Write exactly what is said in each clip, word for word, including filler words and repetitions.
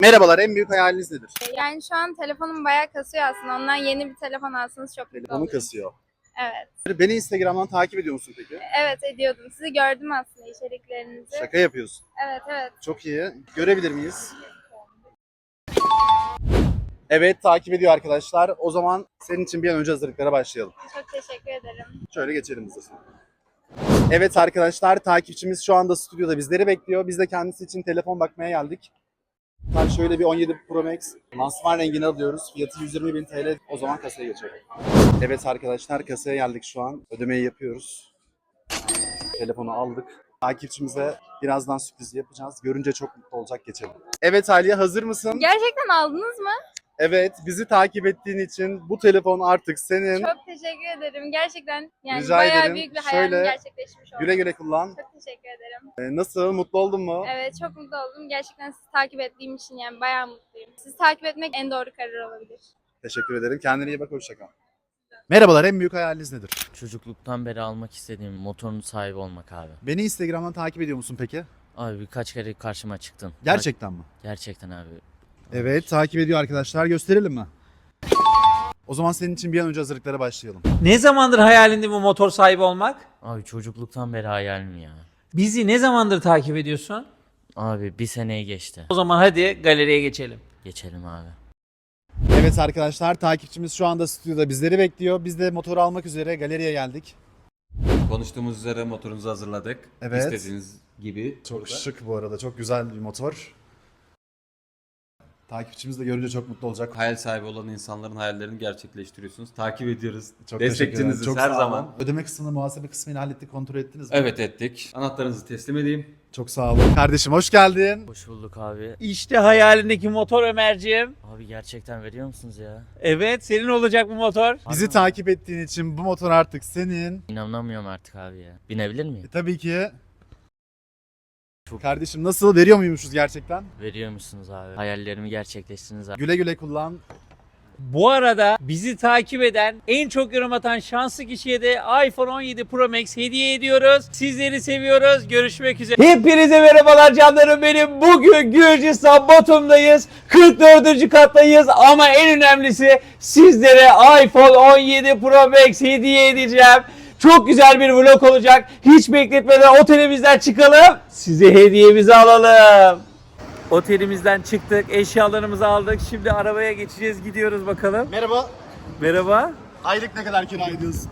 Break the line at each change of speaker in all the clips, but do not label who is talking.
Merhabalar, en büyük hayaliniz nedir?
Yani şu an telefonum bayağı kasıyor aslında. Ondan yeni bir telefon alsanız çok mutlu
Telefonu
olurum.
kasıyor.
Evet.
Beni Instagram'dan takip ediyor musun peki?
Evet ediyordum. Sizi gördüm aslında içeriklerinizi.
Şaka yapıyorsun.
Evet evet.
Çok iyi. Görebilir miyiz? Evet, takip ediyor arkadaşlar. O zaman senin için bir an önce hazırlıklara başlayalım.
Çok teşekkür ederim.
Şöyle geçelim hızlıca. Evet arkadaşlar, takipçimiz şu anda stüdyoda bizleri bekliyor. Biz de kendisi için telefon bakmaya geldik. Tam şöyle bir on yedi Pro Max lansman rengini alıyoruz. Fiyatı yüz yirmi bin T L. O zaman kasaya geçelim. Evet arkadaşlar, kasaya geldik şu an. Ödemeyi yapıyoruz. Telefonu aldık. Takipçimize birazdan sürpriz yapacağız. Görünce çok mutlu olacak, geçelim. Evet Aliye, hazır mısın?
Gerçekten aldınız mı?
Evet, bizi takip ettiğin için bu telefon artık senin.
Çok teşekkür ederim. Gerçekten yani
Rica
bayağı
ederim.
büyük bir hayalim
Şöyle
gerçekleşmiş oldu.
Güle güle kullan.
Çok teşekkür ederim.
Ee, nasıl? Mutlu oldun mu?
Evet çok mutlu oldum. Gerçekten sizi takip ettiğim için yani bayağı mutluyum. Sizi takip etmek en doğru karar olabilir.
Teşekkür ederim. Kendine iyi bak, hoşça kal. Merhabalar, en büyük hayaliniz nedir?
Çocukluktan beri almak istediğim motorun sahibi olmak abi.
Beni Instagram'dan takip ediyor musun peki?
Abi birkaç kere karşıma çıktın.
Gerçekten mi?
Gerçekten abi.
Evet, takip ediyor arkadaşlar. Gösterelim mi? O zaman senin için bir an önce hazırlıklara başlayalım.
Ne zamandır hayalinde bu motor sahibi olmak?
Abi çocukluktan beri hayalim ya.
Bizi ne zamandır takip ediyorsun?
Abi bir seneyi geçti.
O zaman hadi galeriye geçelim.
Geçelim abi.
Evet arkadaşlar, takipçimiz şu anda stüdyoda bizleri bekliyor. Biz de motoru almak üzere galeriye geldik.
Konuştuğumuz üzere motorunuzu hazırladık.
Evet.
İstediğiniz gibi.
Çok
burada.
şık bu arada, çok güzel bir motor. Takipçimiz de görünce çok mutlu olacak.
Hayal sahibi olan insanların hayallerini gerçekleştiriyorsunuz. Takip ediyoruz.
Çok teşekkür ederim.
Destekçiniziz
Çok
her
sağ olun.
zaman.
Ödeme kısmını, muhasebe kısmını hallettik, kontrol ettiniz mi?
Evet ettik. Anahtarınızı teslim edeyim.
Çok sağ olun. Kardeşim hoş geldin.
Hoş bulduk abi.
İşte hayalindeki motor Ömerciğim.
Abi gerçekten veriyor musunuz ya?
Evet, senin olacak bu motor.
Bizi
Abi,
takip ettiğin için bu motor artık senin.
İnanamıyorum artık abi ya. Binebilir miyim?
E, tabii ki.
Çok-
Kardeşim nasıl, veriyor muymuşuz gerçekten?
Veriyor musunuz abi? Hayallerimi gerçekleştirdiniz abi.
Güle güle kullan.
Bu arada bizi takip eden, en çok yorum atan şanslı kişiye de iPhone on yedi Pro Max hediye ediyoruz. Sizleri seviyoruz. Görüşmek üzere. Hepinize merhabalar canlarım benim. Bugün Gürcistan Batum'dayız. kırk dördüncü kattayız ama en önemlisi sizlere iPhone on yedi Pro Max hediye edeceğim. Çok güzel bir vlog olacak. Hiç bekletmeden otelimizden çıkalım. Size hediyemizi alalım. Otelimizden çıktık, eşyalarımızı aldık. Şimdi arabaya geçeceğiz, gidiyoruz bakalım.
Merhaba.
Merhaba.
Aylık ne kadar kira ediyorsun?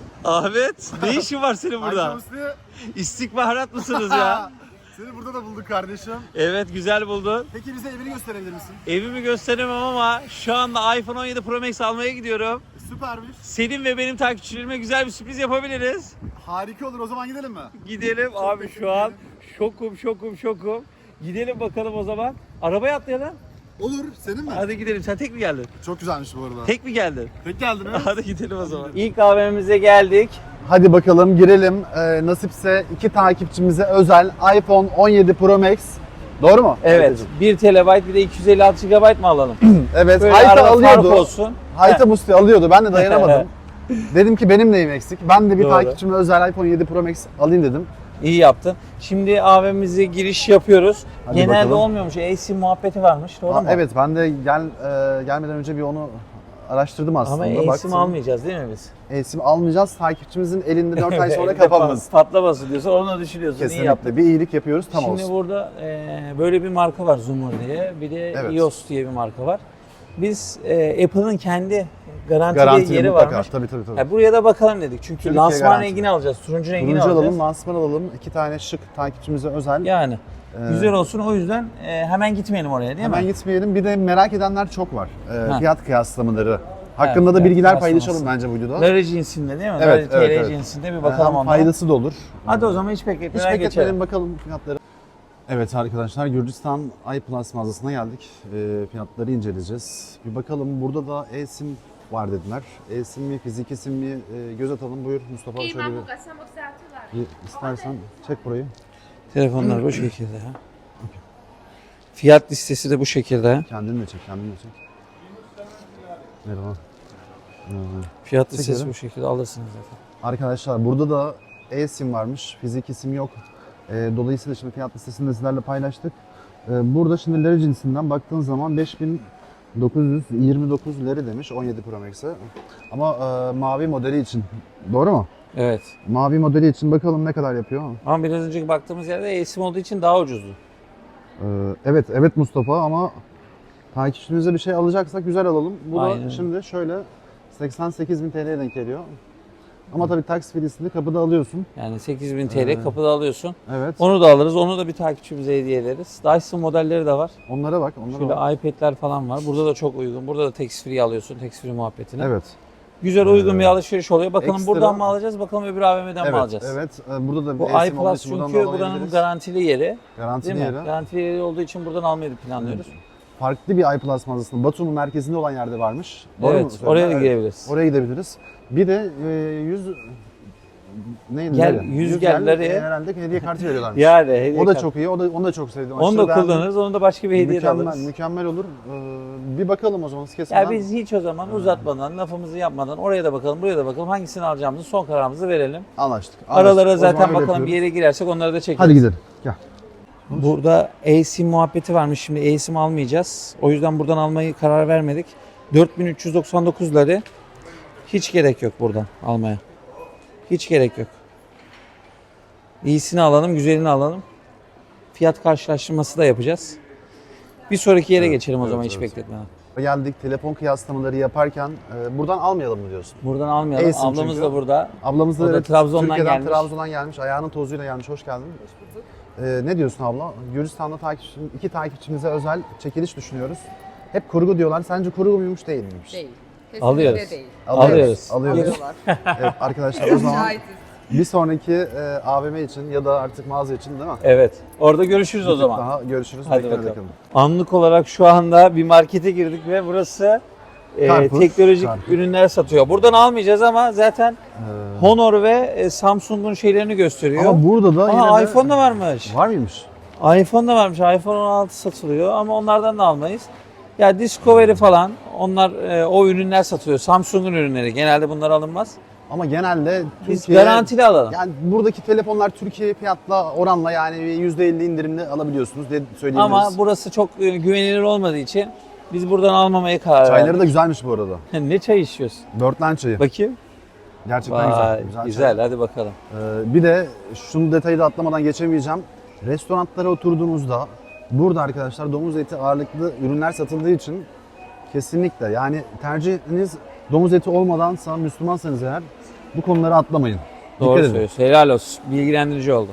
Ahmet, ne işin var senin burada?
Ayşe
İstihbarat mısınız ya?
Seni burada da bulduk kardeşim.
Evet, güzel buldun.
Peki bize evini gösterebilir misin?
Evimi gösteremem ama şu anda iPhone on yedi Pro Max almaya gidiyorum.
Süpermiş.
Senin ve benim takipçilerime güzel bir sürpriz yapabiliriz.
Harika olur, o zaman gidelim mi?
Gidelim abi, şu an şokum şokum şokum. Gidelim bakalım o zaman. Arabaya atlayalım.
Olur, senin mi?
Hadi gidelim. Sen tek mi geldin?
Çok güzelmiş bu arada.
Tek mi geldin?
Tek geldin ha?
Hadi gidelim o zaman. İlk kahvemize geldik.
Hadi bakalım girelim. Ee, nasipse iki takipçimize özel iPhone on yedi Pro Max. Doğru mu?
Evet. bir terabayt bir de iki yüz elli altı gigabayt mı alalım?
Evet.
Böyle
Hayta
arada fark
alıyordu.
olsun.
Hayta Musti alıyordu. Ben de dayanamadım. Dedim ki benim neyim eksik? Ben de bir
Doğru.
takipçime özel iPhone yedi Pro Max alayım dedim.
İyi yaptın. Şimdi A V M'mize giriş yapıyoruz.
Hadi
Genelde
bakalım.
olmuyormuş. eSIM muhabbeti varmış. Doğru
Aa,
mu?
evet, ben de gel e, gelmeden önce bir onu araştırdım aslında.
Ama eSIM
Baktım.
almayacağız değil mi biz?
eSIM almayacağız. Takipçimizin elinde dört ay sonra kapanmasın.
Patlamasın diyorsun. Onu düşünüyorsun. İyi yaptın.
Kesinlikle. Bir iyilik yapıyoruz, tam
Şimdi
olsun.
burada e, böyle bir marka var, Zoomr diye. Bir de
Evet.
i O S diye bir marka var. Biz e, Apple'ın kendi garantili
Garantili
yeri
mutlaka.
varmış.
Tabii tabii tabii.
Ya buraya da bakalım dedik. Çünkü
Türkiye
lansman
garantili.
rengini alacağız. Turuncu rengini
Turuncu
alacağız.
alalım, lansman alalım. İki tane şık takipçimize özel.
Yani
Ee,
güzel olsun, o yüzden e, hemen gitmeyelim oraya değil
Hemen
mi?
gitmeyelim. Bir de merak edenler çok var. Ee,
Ha.
fiyat kıyaslamaları. Hakkında da
fiyat
bilgiler
kıyaslaması.
paylaşalım bence bu videoda.
Lari cinsinde değil mi?
Evet,
Lari
evet,
T L
evet.
cinsinde bir
Hem
bakalım ondan.
faydası da olur.
Hadi o zaman hiç
Hiç
bekletmeden
bekletmeyelim,
geçelim.
bakalım fiyatları. Evet arkadaşlar, Gürcistan iPlus mağazasına geldik. Ee, fiyatları inceleyeceğiz. Bir bakalım, burada da eSIM var dediler. eSIM mi, fiziki sim mi? Ee, göz atalım. Buyur Mustafa, şöyle bir, bir istersen çek burayı.
Telefonlar bu şekilde. Fiyat listesi de bu şekilde.
Kendin de çek, kendin de çek. Merhaba. Merhaba.
Fiyat listesi
Çekelim.
bu şekilde, alırsınız zaten.
Arkadaşlar burada da eSIM varmış, fiziki sim yok. Ee, dolayısıyla şimdi fiyat listesini de sizlerle paylaştık. Ee, burada şimdi leri cinsinden baktığın zaman beş bin dokuz yüz yirmi dokuz leri demiş on yedi Pro Max'e. Ama e, mavi modeli için. Doğru mu?
Evet.
Mavi modeli için bakalım ne kadar yapıyor.
Ama biraz önceki baktığımız yerde eSIM olduğu için daha ucuzdu.
Ee, evet, evet Mustafa ama takipçimize bir şey alacaksak güzel alalım. Bu
Aynen.
da şimdi şöyle seksen sekiz bin T L'ye denk geliyor. Ama tabii tax filisini kapıda alıyorsun.
Yani sekiz bin T L
Evet.
kapıda alıyorsun.
Evet.
Onu da alırız. Onu da bir takipçimize hediye ederiz. Dyson modelleri de var.
Onlara bak, onlara
Şöyle
bak.
iPad'ler falan var. Burada da çok uygun. Burada da tax free alıyorsun. Tax free muhabbetini.
Evet.
Güzel uygun
Ee,
bir alışveriş oluyor. Bakalım
ekstra-
buradan mı alacağız? Bakalım öbür A V M'den mi
Evet,
alacağız?
evet. Ee, Burada da
Bu
bir esim olduğu
iPlus
için buradan
çünkü
da
buranın
alabiliriz.
garantili yeri.
Garantili
Değil mi?
yeri.
Garantili yeri olduğu için buradan almayı da planlıyoruz.
Farklı bir iPlus mağazasının Batum'un merkezinde olan yerde varmış. Doğru mu
Evet,
söylüyorum?
oraya da
Evet.
girebiliriz.
Oraya gidebiliriz. Bir de e, yüz neydi?
Gel-
Neydi?
yüz
Yüz
gelleri-
gel- herhalde hediye kartı veriyorlarmış.
Yani hediye
O da
kart.
çok iyi. O da onu da çok sevdim.
Onu
Aşırı
da
beğendim.
kullanırız. Onu da başka bir hediye de
Mükemmel,
alırız.
mükemmel olur. Ee, bir bakalım o zaman kesmeden.
Ya biz hiç o zaman uzatmadan, lafımızı yapmadan oraya da bakalım, buraya da bakalım. Hangisini alacağımızı son kararımızı verelim.
anlaştık. anlaştık.
Aralara
O zaman
zaten
öyle
bakalım
yapıyoruz.
bir yere girersek onları da çekeriz.
Hadi gidelim. Gel.
Burada eSIM muhabbeti varmış. Şimdi eSIM almayacağız. O yüzden buradan almayı karar vermedik. dört bin üç yüz doksan dokuzları hiç gerek yok buradan almaya. Hiç gerek yok. İyisini alalım, güzelini alalım. Fiyat karşılaştırması da yapacağız. Bir sonraki yere
Evet,
geçelim o
evet,
zaman hiç
evet.
bekletmeden.
Geldik telefon kıyaslamaları yaparken e, buradan almayalım mı diyorsun?
Buradan almayalım.
eSIM
Ablamız
çünkü.
da burada.
Ablamız da
O da
evet,
Trabzon'dan
Türkiye'den
gelmiş.
Trabzon'dan gelmiş. Ayağının tozuyla gelmiş. Hoş geldin. Ee, ne diyorsun abla? Gürcistan'da takipçi, iki takipçimize özel çekiliş düşünüyoruz. Hep kurgu diyorlar. Sence kurgu muymuş değil miymiş?
Değil. Kesinlikle
Alıyoruz.
değil.
Alıyoruz.
Alıyoruz.
Alıyorlar.
Evet arkadaşlar o zaman
Şahitiz.
bir sonraki e, A V M için ya da artık mağaza için değil mi?
Evet. Orada görüşürüz o
Bir tık
zaman.
Daha görüşürüz.
Hadi
Bekle
bakalım.
bakalım.
Anlık olarak şu anda bir markete girdik ve burası e,
Carrefour,
teknolojik
Carrefour.
ürünler satıyor. Buradan almayacağız ama zaten
Ee,
Honor ve e, Samsung'un şeylerini gösteriyor.
ama burada da
Aa,
yine de-
iPhone da varmış.
Var mıymış?
iPhone da varmış. iPhone on altı satılıyor ama onlardan da almayız. Ya Discovery falan onlar e, o ürünler satılıyor. Samsung'un ürünleri. Genelde bunlar alınmaz.
Ama genelde
Biz
Türkiye...
garantili alalım.
Yani buradaki telefonlar Türkiye fiyatla oranla yani yüzde elli indirimli alabiliyorsunuz diye söyleyebiliriz.
Ama burası çok e, güvenilir olmadığı için biz buradan almamaya karar
Çayları
verdik.
da güzelmiş bu arada.
Ne çay içiyorsun?
Börtlen çayı.
Bakayım.
Gerçekten
Vay,
güzel.
güzel.
Güzel. çay.
Hadi bakalım.
Ee, bir de şunu detayı da atlamadan geçemeyeceğim. Restoranlara oturduğunuzda burada arkadaşlar domuz eti ağırlıklı ürünler satıldığı için kesinlikle yani tercihiniz domuz eti olmadansa Müslümansanız eğer bu konuları atlamayın.
Doğru
Dikkat edin.
söylüyorsun. Helal olsun. Bilgilendirici oldu.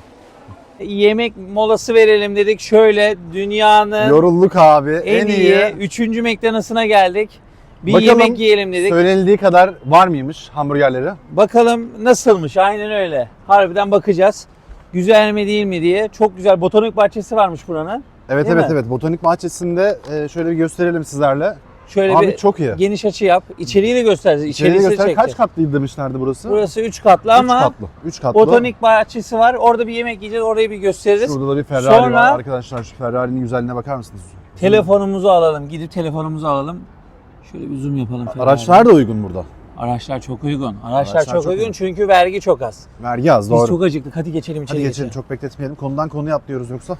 Yemek molası verelim dedik. Şöyle dünyanın
Yorulduk abi.
en,
En,
iyi,
iyi.
üçüncü McDonald's'ına geldik. Bir
Bakalım
yemek yiyelim dedik.
Söylenildiği kadar var mıymış hamburgerleri?
Bakalım nasılmış. Aynen öyle. Harbiden bakacağız. Güzel mi değil mi diye. Çok güzel botanik bahçesi varmış buranın.
Evet
Değil
evet
mi?
evet. Botanik bahçesinde e, şöyle bir gösterelim sizlerle.
Şöyle
Abi
bir
çok iyi.
geniş açı yap. İçeriği de göstereceğiz.
İçeriği
İçerisi
göster.
çekeceğiz.
Kaç katlıydı demişlerdi burası?
Burası üç katlı
Üç
ama
katlı. Üç katlı.
botanik bahçesi var. Orada bir yemek yiyeceğiz. Orayı bir gösteririz.
Şurada da bir Ferrari
Sonra-
var. Arkadaşlar şu Ferrari'nin güzelliğine bakar mısınız?
Telefonumuzu alalım. Gidip telefonumuzu alalım. Şöyle bir zoom yapalım.
Araçlar da uygun burada.
Araçlar çok uygun. Araçlar,
Araçlar
çok,
çok
uygun
uygun.
çünkü vergi çok az.
Vergi az
Biz
doğru.
çok acıktık. Hadi geçelim içeri.
Hadi geçelim çok bekletmeyelim. Konudan konuya atlıyoruz yoksa.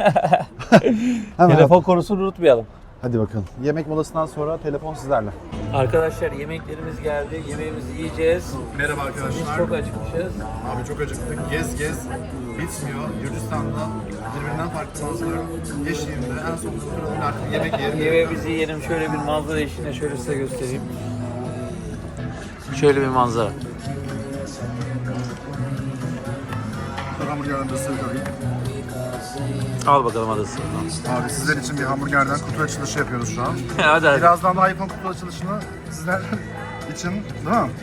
Hemen.
Telefon konusunu unutmayalım.
Hadi bakalım. Yemek molasından sonra telefon sizlerle.
Arkadaşlar yemeklerimiz geldi. Yemeğimizi yiyeceğiz.
Merhaba
Biz
arkadaşlar.
çok acıkmışız.
Abi çok acıktık. Gez gez. Bitmiyor. Gürcistan'da birbirinden farklı manzara eşliğinde en son oturalım artık yemek yiyelim.
Yemeğimizi yiyelim. Şöyle bir manzara eşliğinde şöyle size göstereyim. Şöyle bir manzara.
Hamburgerden de söyleyeyim.
Al bakalım adası.
Abi sizler için bir hamburgerden kutu açılışı yapıyoruz şu an.
hadi hadi.
Birazdan da iPhone kutu açılışını sizler için değil mi?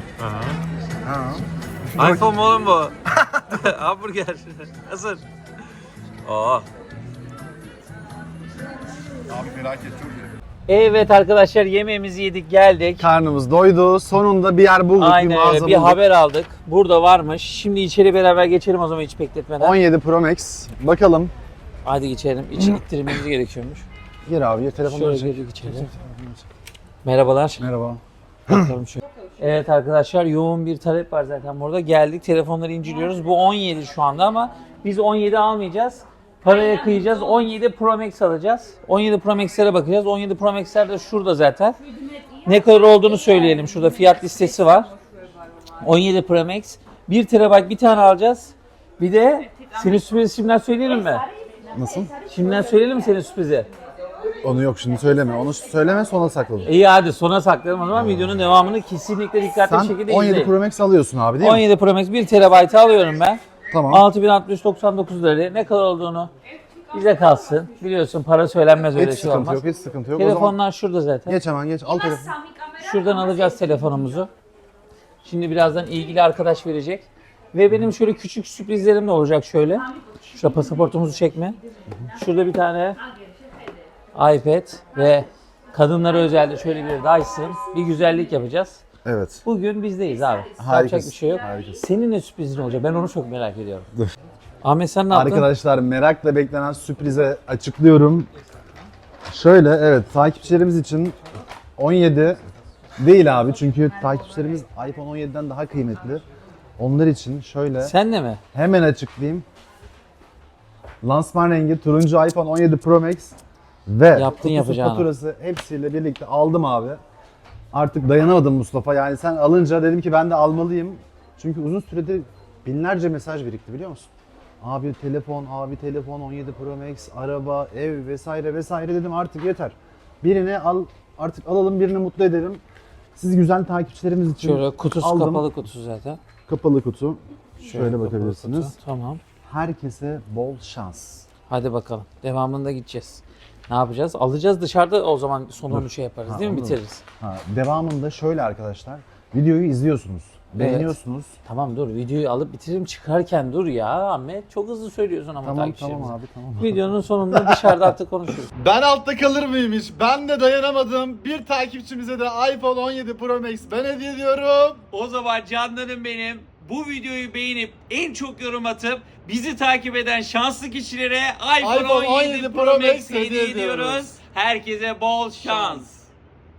Ha.
iPhone mu oğlum bu? Hamburger. Hazır. Oh.
Abi felaket çok iyi.
Evet arkadaşlar yemeğimizi yedik geldik.
Karnımız doydu. Sonunda bir yer bulduk, bir
Aynen
mağaza
öyle. Bir
bulduk.
haber aldık. Burada varmış. Şimdi içeri beraber geçelim o zaman hiç bekletmeden.
on yedi Pro Max. Bakalım.
Hadi geçelim. İçi ittirmemiz gerekiyormuş.
Gir abi, gir telefonları
Şöyle
çek.
girdik içeri. Merhabalar.
Merhaba.
Bakalım şöyle. Evet arkadaşlar yoğun bir talep var zaten burada. Geldik telefonları inceliyoruz. Bu on yedi şu anda ama biz on yedi almayacağız. Paraya kıyacağız. on yedi Pro Max alacağız. on yedi Pro Max'lere bakacağız. on yedi Pro Max'ler de şurada zaten. Ne kadar olduğunu söyleyelim. Şurada fiyat listesi var. on yedi Pro Max. bir terabayt bir tane alacağız. Bir de senin sürprizi şimdiden söyleyelim mi?
Nasıl?
Şimdiden söyleyelim mi senin sürprizi?
Onu yok şimdi söyleme. Onu söyleme sona sakladım.
İyi hadi sona saklayalım o zaman. Videonun devamını kesinlikle dikkatli bir
Sen
şekilde
on yedi
izleyin.
Pro Max alıyorsun abi değil
on
mi?
yedi Pro Max bir terabaytı alıyorum ben.
Tamam.
altı bin altı yüz doksan dokuz lira. Ne kadar olduğunu bize kalsın. Biliyorsun para söylenmez öyle
Hiç
şey
sıkıntı
olmaz.
yok, hiç sıkıntı yok. O zaman
Telefonlar şurada zaten.
geç hemen geç. Al telefonu.
Şuradan alacağız telefonumuzu. Şimdi birazdan ilgili arkadaş verecek. Ve benim şöyle küçük sürprizlerim de olacak şöyle. Şurada pasaportumuzu çekme. Şurada bir tane iPad ve kadınlara özel de şöyle bir Dyson. Bir güzellik yapacağız.
Evet.
Bugün bizdeyiz abi. Yapacak
Harikasın,
bir şey yok.
harikasın.
Senin ne sürprizin olacak? Ben onu çok merak ediyorum. Ahmet sen ne yaptın?
Arkadaşlar merakla beklenen sürprize açıklıyorum. Şöyle evet takipçilerimiz için on yedi değil abi çünkü takipçilerimiz iPhone on yediden daha kıymetli. Onlar için şöyle
Sen de mi?
hemen açıklayayım. Lansman rengi turuncu iPhone on yedi Pro Max ve
Yaptın
kutusu,
yapacağını.
faturası hepsiyle birlikte aldım abi. Artık dayanamadım Mustafa. Yani sen alınca dedim ki ben de almalıyım. Çünkü uzun süredir binlerce mesaj birikti biliyor musun? Abi telefon, abi telefon, on yedi Pro Max, araba, ev vesaire vesaire dedim artık yeter. Birini al, artık alalım birini mutlu edelim. Siz güzel takipçilerimiz için
Şöyle kutusu
aldım.
kapalı kutu zaten.
Kapalı kutu. Şöyle
kapalı
bakabilirsiniz.
kutu. Tamam.
Herkese bol şans.
Hadi bakalım. Devamında gideceğiz. Ne yapacağız? Alacağız dışarıda o zaman sonunu şey yaparız
Ha,
değil mi?
anladım.
Bitiririz.
Ha, devamında şöyle arkadaşlar. Videoyu izliyorsunuz. Beğeniyorsunuz.
Tamam dur videoyu alıp bitiririm çıkarken dur ya Ahmet. Çok hızlı söylüyorsun ama
Tamam
takipçilerimize.
tamam abi tamam.
Videonun sonunda dışarıda artık konuşuruz.
Ben altta kalır mıymış? Ben de dayanamadım. Bir takipçimize de iPhone on yedi Pro Max ben hediye ediyorum.
O zaman canlarım benim. Bu videoyu beğenip en çok yorum atıp bizi takip eden şanslı kişilere iPhone,
iPhone
on yedi Pro Max hediye ediyoruz.
ediyoruz.
Herkese bol şans.